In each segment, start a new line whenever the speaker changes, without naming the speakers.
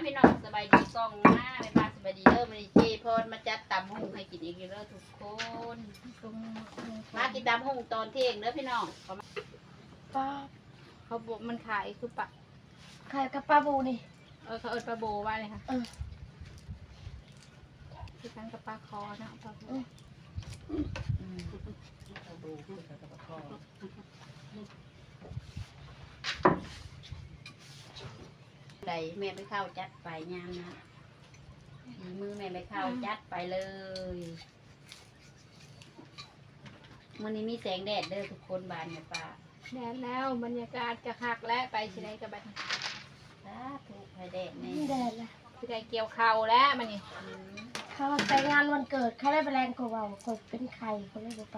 พี่น้องสบายดีกล้องมาไปบ้านสบายดีเด้อมาดิเจพรมาจัดตำหุ่งให้กินอีกแล้วทุกคนมากินตำหุ่งตอนเที่ยงเด้อพี่น้อง
ป้า
เขาบอกมันขายคือปะ
ขายกับปลาบูนี่
เขาเอิ้นปลาโบว่าเลยค่ะคือกันกับปลาคอนะปลาโบปลาโบคือกันกับปลาคอใดแม่ไปเข้าจัดไปยามนะมือแม่ไปเข้าจัดไปเลยวันนี้มีแสงแดดเด้อทุกคนบานเนี่ยป้า
แดดแล้วบรรยากาศจะคักและไปที่ไหนกับบัด
ถูกไฟแดดนี่
แดดละ
ที่ได้เกี่ยวเข่าแล้วมันนี่
เขาไปงานวันเกิดเขาได้ไปแรงกว่าเราคนเป็นไข่เขาเลยไป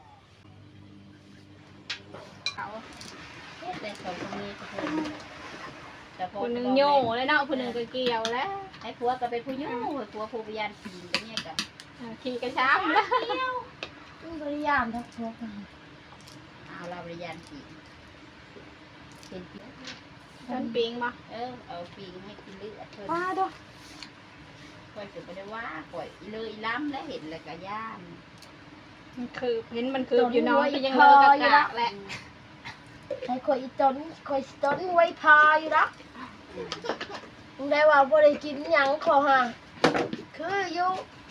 เขาแต่เขาตรงนี้ทุกคน
คนหนึ่งโย่แล้วเนาะคนหนึ่งก็เกี่ยวแล้ว
ไอ้ผัวก็เป็นผู้โย่ผัวผู้พยานขี่กันเนี่ยกับ
ขี่กระช้ำแล้วบริยามทักทวง
เอาเราบริยานขี่เป็น
ต้นปิงมา
เอาปิงให้กินเลือดเพิ่น
ป้าด้วย
คอยจะไปได้ว่าคอยเลยล้ำและเห็นเลยกะย่าน
มันคือเห็นมันคืออยู่น้อยยังเลอะกะแหละใช้คอยต้นไว้พาอยู่นะได้ว่าบ่ได้กินหยังขอห่างคืออยู่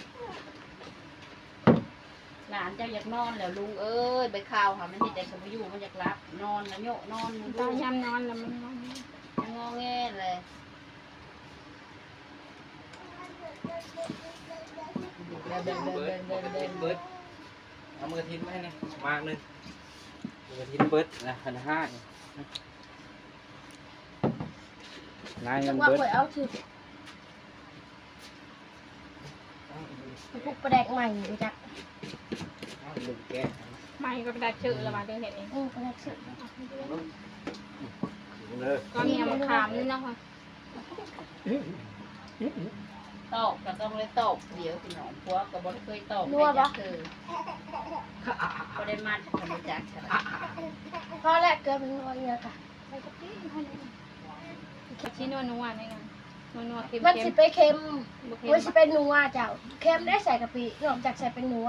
หลานเจ้าอยากนอนแล้วลุงเอ้ยไปข่าวค่ะมันที่แต่สมอยู่มันอยากรับนอนแล้วโยกนอน
ตาย้ำนอนแล้วมันง
อแงเลย
เดินเบิดเอามือทิ้งไว้เนี่ยมากนึงมือทิ้งเบิดนะ1,500นายมัน
เบิด
ว่า
เอาถือพวกประแดกใหม่ดูจ้ะ
ลุงแก
ใหม่ก็ประแดกชื่อแล้วมาเดี๋ยวเห็นเองประแดกชื่อก็มีมะขามนี่นะคะ
ตอกก็ต้องเลยตอกเดี๋ยวพี่น้องพวกกับบอลเคยตอก
นัวปะ
ก็ได้มันขนมจักร
พอแรกเกิดเป็นนัวเยอะค่ะ
ชิ้นนัวนี่ไงนัวเค็ม
มันสิไปเค็มมันสิเป็นนัวเจ้าเค็มได้ใส่กะปินอกจากใส่เป็นนัว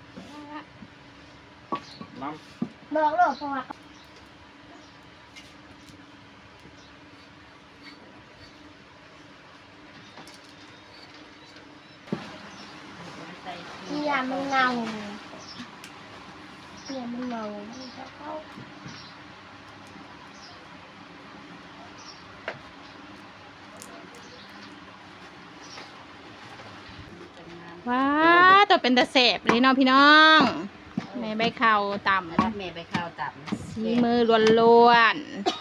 บอกเลยเพราะว่ายามันเงาเข้าว้าตัวเป็นตะเสบเลยเนาะพี่น้องแม่ใบข้าวต่ำ
แม่ใบข้าวต่ำ
สีมือล้วน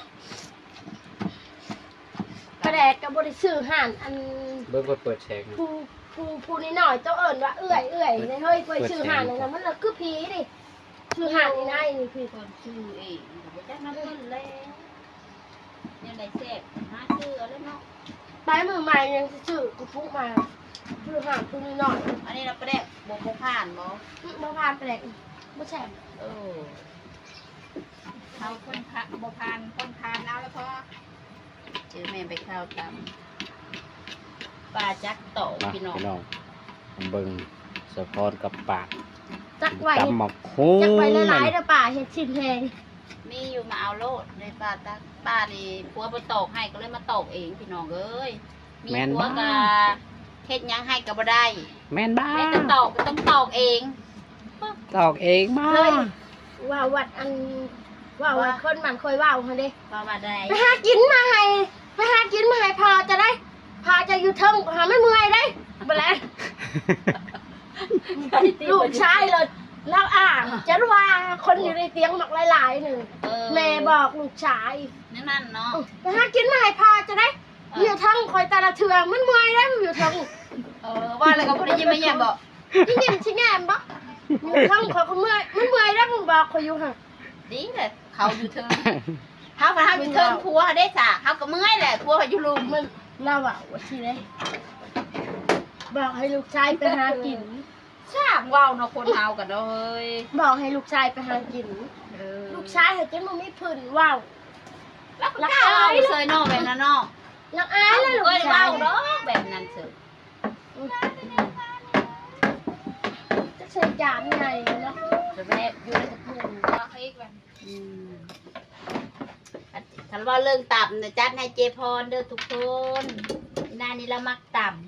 ๆกระแดกกับบริสุทธิ์ห่านอัน
เบิ้งเปิดแฉก
ผู้นี่หน่อยเจ้าเอิญว่าเอื่อยในเฮ้ยไปชื่อห่านเลยนะมันเลยคือผีดิชื่อห่านนี่นายนี่คือ
คนชื่อเองไม่จักน้ำเงินเลยยังได้เสพหาชื่อแล้วเนาะ
ไปมือใหม่ยังชื่อกูฟุ้งมาชื่อห่านผู้นี่หน่อย
อันนี้เราไปได้โบผ่านบ่
ผ่านไปเลยไม่ใช่
เขาคนผ่านโบผ่านคนผ่านเอาแล้วพอเจอแม่ไปข้าวตำปลาจักโตพี่น้อง
เบิ้งสะพอนกับปาก
จักไว้
ตำหมกหุ้ง
จักไว้หลายๆเด้อป่าเห็ดชิ้นแพง
มีอยู่มาเอาโลดในปลาตักป้านี่ผัวไปตอกให้ก็เลยมาตอกเองพี่น้องเอ้ยมีผัวกะเฮ็ดยังให้ก็บ่ได้
แม่นบ้า
แม่ต้องตอกก็ต้องตอกเอง
บ้า
ว่าวัดอันว่าวัดคนมันเคยว่าเขาดิ
ว่าวัดใด
ไปหากินมาให้พอจะได้พาจะอยู่เทิงหาไม่เมื่อยได้บ่แล้วลูกชายเลยแล้วจะว่าคนอยู่ในเตียงหมักหลายๆหนึ่งแม่บอกลูกชาย
นั่นเนาะ
ไปหากินมาให้พอจะได้อยู่เทิงคอยตาละเถื่อมันเมื่อยได้อยู่เทิง
ว่าอะไรก็พูดได้ยินไหมเนี่ยบอก
ยินชิแง่บ่อยู่เทิงคอยเขาเมื่อยมันเมื่อยได้มึงบอกคอยอยู่ห่าง
ดีเลยเขาอยู่เทิงเขาอยู่เทิงผัวได้สาเขาก็เมื่อยแหละผัวอยู่ลุม
มันเราว่าที่ไหนบอกให้ลูกชายไปหากิน
ช่างว่าวเนาะคนเฮากันเนาะเฮ้ย
บอกให้ลูกชายไปหากินลูกชายเห็นจนมันไม่พื้นว่าว
รักอายเลยเนาะแบบนั้นเนาะ
รักอายเลยลูกชาย
ว่าวเนาะ
จะใส่จานใหญ่เนาะ
จะแบบอยู่ในกระปุกก็ให้กันถ้าว่าเรื่องต่ำเนี่ยจัดให้เจพรเด้อทุกคนหน้านี้เรามักต่ำ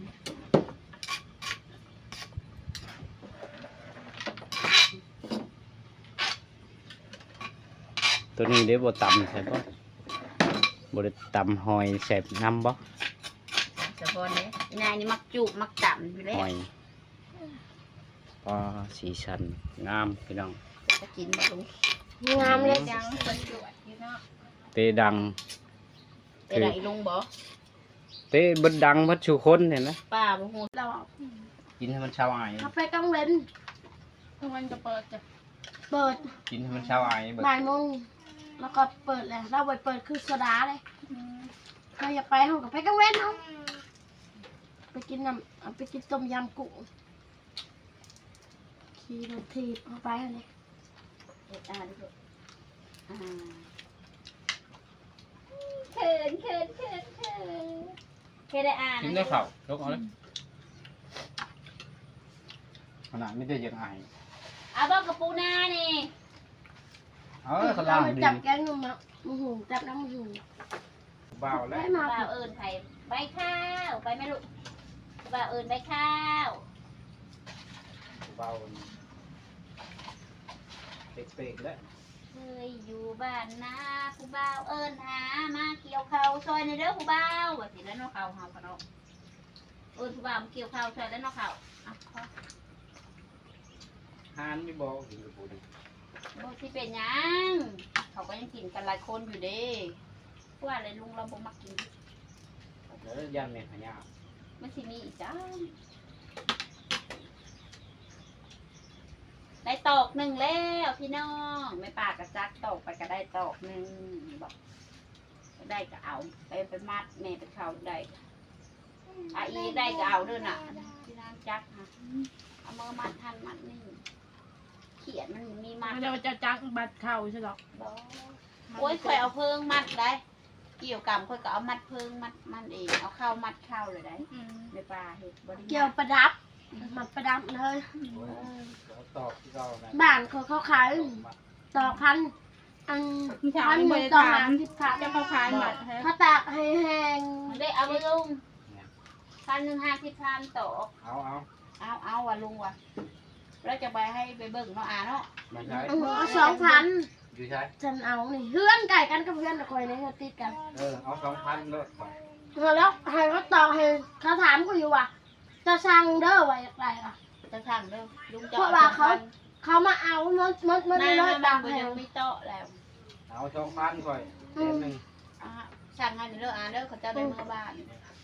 ตัวนี้เดี๋ยวบ่ตำใช่ปะบ่ได้ตำหอยแสบน้ำบ่
เฉพาะนี้นายนี่มักจุมักต่ำอยู่แล้ว
หอยปลาสีสันงามพี่น้อง
จะกินมาลุง
งามเลย
ยังประจวดอยู่เนาะ
เตดัง
แต่ไหนลุงบอก
เตเบิดดังเบิดชูคนเห็นไหม
ป้าบ่ฮู้
เรา
กินให้มันชาวไอ้
คาเฟ่กังเว้น
ทุกวันจะเปิดจ้ะ
เปิด
กินให้มันชาวไอ้เบิด
บ่ายโมงแล้วก็เปิดเลยเราไปเปิดคือโซดาเลยเราอยากไปห้องกับไปกังเว้นเอาไปกินน้ำไปกินต้มยำกุ้งขี่รถถีบเข้าไปเลย
เอ็ดอ่านดิเขินเคยได้อ่าน
กินได้ข่าวยกเอาเลยขนาดไม่ได้ยังไง
เอาบ้ากระปูนานี่
เขาล่างดี
จับแกงหนูมาหูจับน้ำหู
เบาแล้ว
ได้มา
บ่าวเอิญไผ่ใบข้าวไปไหมลูกบ่าวเอิญใบข้าว
เบาเป๊กๆแล้ว
เคยอยู่บ้านนาผู้บ่าวเอิญหามาเกี่ยวข้าวซอยในเด้อผู้บ่าวว่าสิแล้วเนาะข้าวเฮาพะเนาะเอิญผู้บ่าวมาเกี่ยวข้าวซอยแล้วเนาะข้าวอ่ะขอ
ฮานไม่บอกกินกระปุกดิ
บ่สิเป็นหยังเขาก็ยังกินกันหลายคนอยู่เด้ว่าอะไรลุงเราบ่มักกิน
แล้วยันเมฆขยา
มันสิมีอีกจ้าได้ตอกหนึ่งแล้วพี่น้องไม่ปากกระจักตอกไปก็ได้ตอกหนึ่งบอกได้ก็เอาไปมัดแม่ไปเขาได้อีได้ก็เอาด้วยน่ะพี่นางจักค่ะเอามือมัดทันมัดนี่เขียนมันมีมัด
เราจะจักบัดเข่าใช่หรอ
โอ้ยค่อยเอาเพิงมัดได้เกี่ยวกับค่อยก็เอามัดเพิงมัดมันเองเอาเข้ามัดเข้าเลยได้ในปลาเห็ดบริ
เกี่ยวประดับมันประดับเลย
ตอบที่เรานะ
บ้านเขาขายต่อพันอันพันหนึ่งต่อ50,000
จะเขาขายหมัดฮะ
เขาตากให้แห้ง
มันได้เอาไปลุง1,150ต่อ
เอา
ว่ะลุงว่ะแล้วจะไปให้ไปเบิ่งเนาะเนาะ
ไม่ใช่
เอา2,000
อยู่ใช่
ฉันเอานี่เพื่อนไก่กันกับเพื่อนตะคอยนี่ติดกัน
เอา2,000เลย
แล้วให้เขาต่อให้เขาถามกูอยู่ว่าจะสั่งเด้อว่าอยากได้ล่ะ
จะสั่งเด้อลุงจะ
เพราะว่าเขามาเอามัน
ได้
ได้ร้อย
บา
บาง ท
คน
ให้
ยังไม่โตะแล้ว
เอา2,000ก่อนเต็มหนึ่ง
สั่งให้เด้อเด้อเขาจะได้เมื่อบ้าน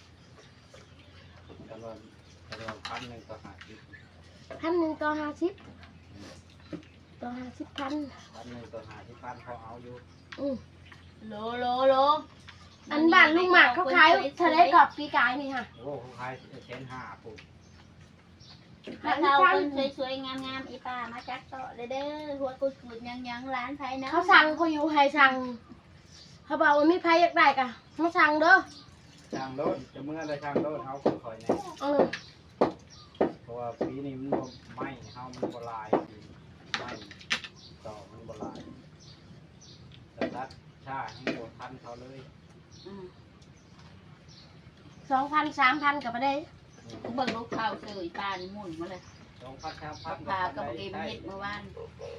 จำนวน1,000ต่อ50
1,000ต่อ50ต่อ50,000
1,000ต่อ50,000พอเอาอยู่
โล
อันบ้านลุงหมากเขาขายทะเลกรอบปีกายนี่ค่ะ
โอ้เขาขาย1,500ปุ๊บ
ถ้าเราคนสวยๆงามๆอีป้ามาจักโตะเด้อหัวกุดยังร้านไผเนาะ
เขาสั่งเขาอยู่ให้สั่งเขาบอกว่ามีใครอยากได้กะมาสั่งเด้อ
ช่างรถจะเมื่อไรช่างรถเอาคอยเนี่ย เพราะว่าปีนี้มันบ่ไหม้เฮามันบ่ลายไหม้ต่อมันบ่ลายแต่ตัดชาให้บ่ทันเขาเลย
2,000 3,000กับไปได้
เบิ่งลูกข้าวเจออีป้านี่หมุนมาเลย
2,000 3,000
พากับเกมเฮ็ดเมื่อวาน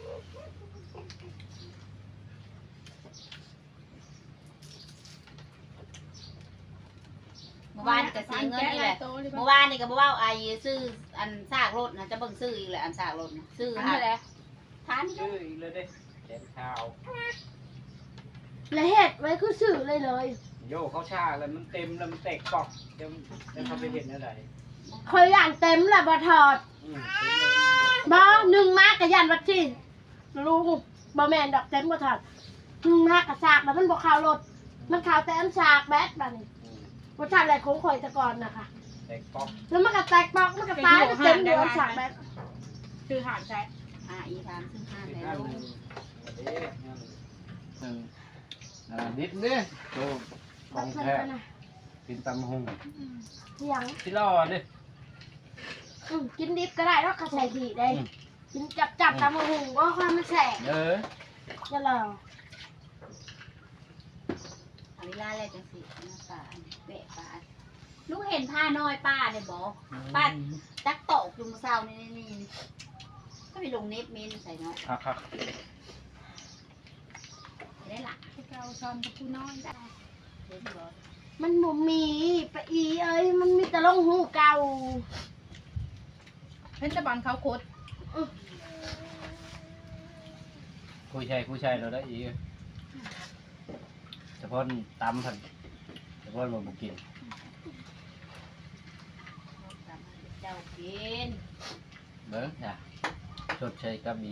เมื่อวานก็เสียเงินนี่แหละเมื่อวานนี่ก็บ่ว่าไอ้ซื้ออันซากรถนะจะเบิ่งซื้ออีกแหละอันซากรถนะซื้อหาทาน
ชื่ออีกเลยเด้แขนขาว
และเห็ดไว้คือสื่อเลยเลย
โยเขาชาแล้วมันเต็มแล้วมันแตกปอกจะเขาไปเห็นอะไร
เคยย่านเต็มแหละบ่ถอดบ่1มากกับยันวัดที่ลุงบ่แม่นดอกเต็มบ่ถอด1มากกับสากแล้วมันบ่เข้ารถมันเข้าแต่อันสากแบดบัดนี้บ่ทันอะไรของข่อยแต่ก่อนน่ะค่ะ
แตกปอก
แล้วมันก็แตกปอกมันก็ตายเต็มเดือนสากแบด
คือหาดใช้
อีทานซื้อห้า
อี
ใน
กอัน
โล
ห
ก
นึ่งดิบเด้โตของแท้กินตำหง
เสียง
ที่รอดิ
กินดิบก็ได้แล้วก็ใส่ผีได้กินจับตามหุงก็ความมันแสบจะรอ
เอาเวลาอะไรจังสิน้ำปลาเบะปลาลูกเห็นผ้าน้อยป้าเนี่ยบอกป้าจักโตกจุ่มเศร้านี่ก็ไปลงเน็ตเมนใส่เนาะ
ครับ
ได้ละ
เกาช้อนกับผู้น้อยได้
เห็นบอก
มันบ่มีปะอีเอ้ยมันมีแต่ลงหูเก่า
เพชรบอลเขาโคตร
คุยใช่เราได้อีกเฉพาะตำผันเฉพาะมันบุกิน
เจ้ากิน
เบิ้งจ้ะชดใช้ก็มี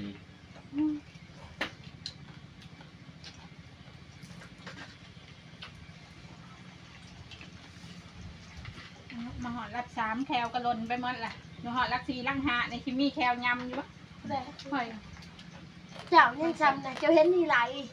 มาหอดรัก3แคลกระลนไปหมดล่ะมาหอดรัก4รัก5ในคิมมี่แคลยำอยู่ปะหอย
เจ้ายังจำนะเจ้าเห็นนี่ไร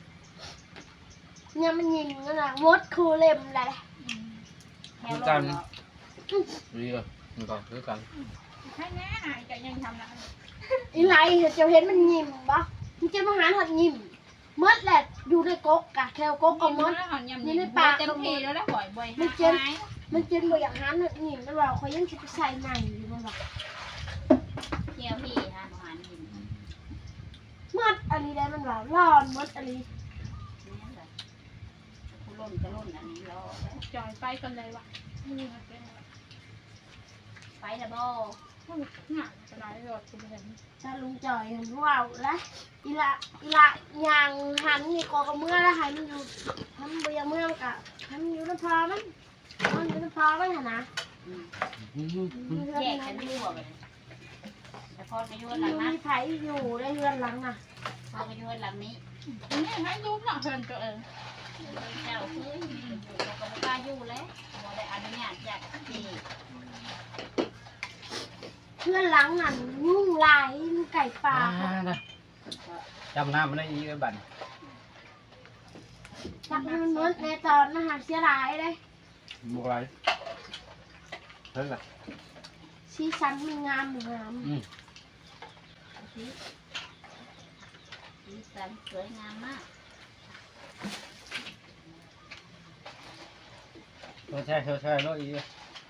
เนี่ยมันยิงนั่นน่ะมดคูเล็มอะไร
แถวลงเนาะ
เรียมันก็คือกัน
ให้แน่จะยังทำละ
อีไรเจ้าเห็นมันยิมปะมันจะมาหาหัดยิมมดแหละอยู่ในก๊กกะแควก๊กก็มด
นี่ในปากเต็มที่แล้วหอยบ่อย
มันเจนบ่อยากหาหัดยิมมันว่าเขายังจะไปใส่ใหม่อยู่มันว่า
เที่ยวพี่ฮะอาหารกิน
มดอะไรได้มันว่าร้อนมดอะไร
นี่แหละกูล่นก็ล่นอันนี้รอ
จอยไปกันเลยวะ
ไปละบ่
หนักจะได้รถคุณเห็น
ถ้าลุงจ่อยเห็นว่าวละอีละยางหันนี่ก็เมื่อละหายมันอยู่ทำบ่ยังเมื่อกะทำอยู่น้ำพอมันอยู่น้ำพอมันนะ
แยกกันอยู่บ่เลยแต่พอไปอยู่
อ
หลัง
ยู่
นั้น
มีไผอยู่ได้เรือนหลังน่ะ
พอไปอยู่หลังนี้
นี่ให้รู้หน่อยเพิ่นตัวเอง
เจ้าคือเราก็ไม่กล้าอยู่แล้วบ่ได้อนุญาตจากที่
เพื่อนหลังนั่นยุ่งหลายมีไก่ป่า
จำหน้ามันได้อีกบัน
จักให้มันมดในตอนมหาเสียหลายเลย
บุกไรเพิ่งละ
สีสันมันงามงาม
สีสันสวยงามมาก
ใช่รถอีก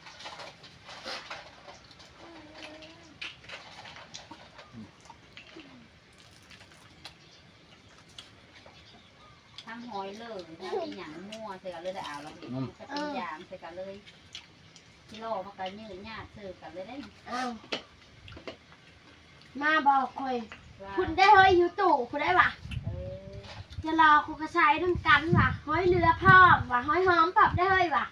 ทำหอยเลยถ้ามีหยังมั่วใส่กันเลยได้เอาแล้วก็เป็นยามใส่กันเลยกิโลมันก็ยืดหยาดซื้อกันเลยได้
อ้าวมาบอกคอยคุณได้เฮ้ยอยู่ตู่คุณได้ปะจะรอคุณกระชายน้ำกันว่ะห้อยเรือพร้อมว่ะห้อยหอมปรับได้เฮ้ยว่ะ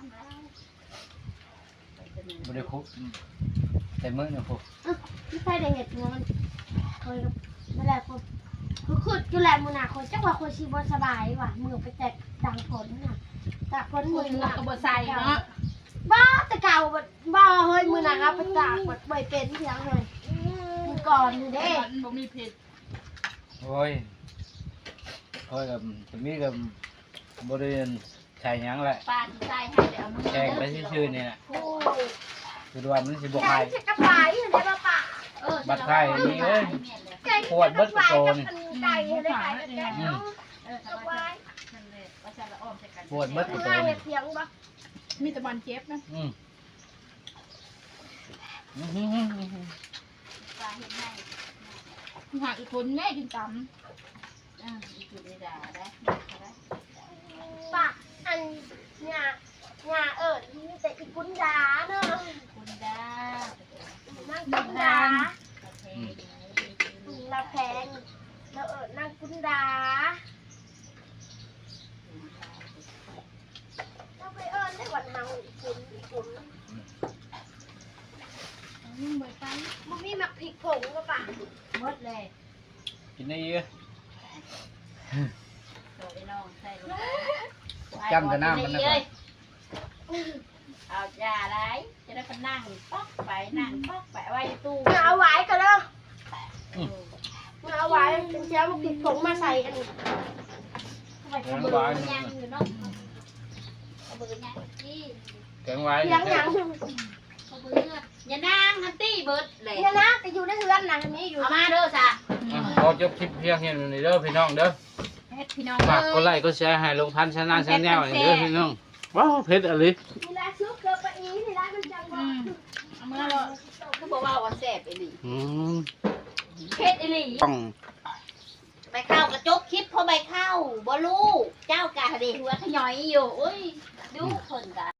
บริคุแต่เมื่อเนี่ยพวก
ไม่ใช่ได้เห็ดหัวมันคอยไม่ได้คนคือขุดอยู่แหละมือหนาคนจังว่าคนชีบสบายว่ะมือไปแจกดังผลน่ะจากผลมือห
เรา
นัก
ก็บ่ใส่เนาะ
บ้าแต่เก่าบ้าเฮ้ยมือหนักครับไปจากหมดใบเป็นเพียงเลยมือก่อนนี่เด้
บ่มีผิด
โอ้ยกับจะมีกับบริเวณใช่ยังแหละ
ปลาที่ใส่ให้เดี๋ยวมือ
แกงไปชื่อๆนี่นะ
โอ้
คือว่ามันสิบวก
แก
ไข่
งใส่กระป๋ายเห็นได้ป่ะป่ะ
บัดไข่นี่เอ้ย
แกงใส่กระป๋ายกับไก่เห็นได้ไก่กับแกงเนาะ
กระป๋ายนั่นเลยว่าจะละอ้อมใส่กัน
ปวดเบิด
ไม่
ตัว
ได้
นี่
เพียงป่ะ
มีแต่บอลเจ็บนะ
ปลาเห็นให้
หาอีกคนแม่กินต
อีกจุดนี้ด่าได้
ป่ะอันเนี่ยมีแต่อีกุนดาเนาะ
คุณดา
นั่งกุนดา
ประเทศ
เราแพงเรานั่งกุนดาเราไปได้วันเฮาอีกุน
ำยิ่งบ่ไป
มันมีหมักพริกผงก็ป่ะ
หมดเลย
กินได้เยอะ
โดยน้องใส่ลง
จำแต่น้ำมันนะครับ
เอายาอะไรจะได้ไปนั่งป๊อกไปนั่งป๊อกไปไว้ตู้
เอาไว้กันเนาะเอาไว้เป็นเช้าหมักพริกผงมาใส่กัน
ไปขบวนยังอยู่เนาะขบวนยังที่
แกงไว้
เลี้ยงหยัง
ขบวนอย่านางฮันตี้เบิร์ดเลย
เนี่ยนะแต่อยู่ในเฮือนนางนี้อยู่
เอามาเด้อจ้ะ
พอจบคลิปเพียงเห็นนี่เด้อพี่น้องเด้อ
เฮ็ดพี่น้อง
ฝากกดไลค์กดแชร์ให้ลงพันชนะชาแนลนี่เด้อพี่น้องว้าวเพชรอะไร
นี่ละซุปเกลือปลาอีนี่ละมันจังว่า
เอามื่อเรา
คือบอกว่าว่าแซ่บอีหลี
อืม
เพชรอีหลี
ต้อง
ใบข้าวกระจกคลิปเพราะใบข้าวบ่รู้เจ้ากะเดหัวขย่อยอยู่อุ้ยดูคนกะ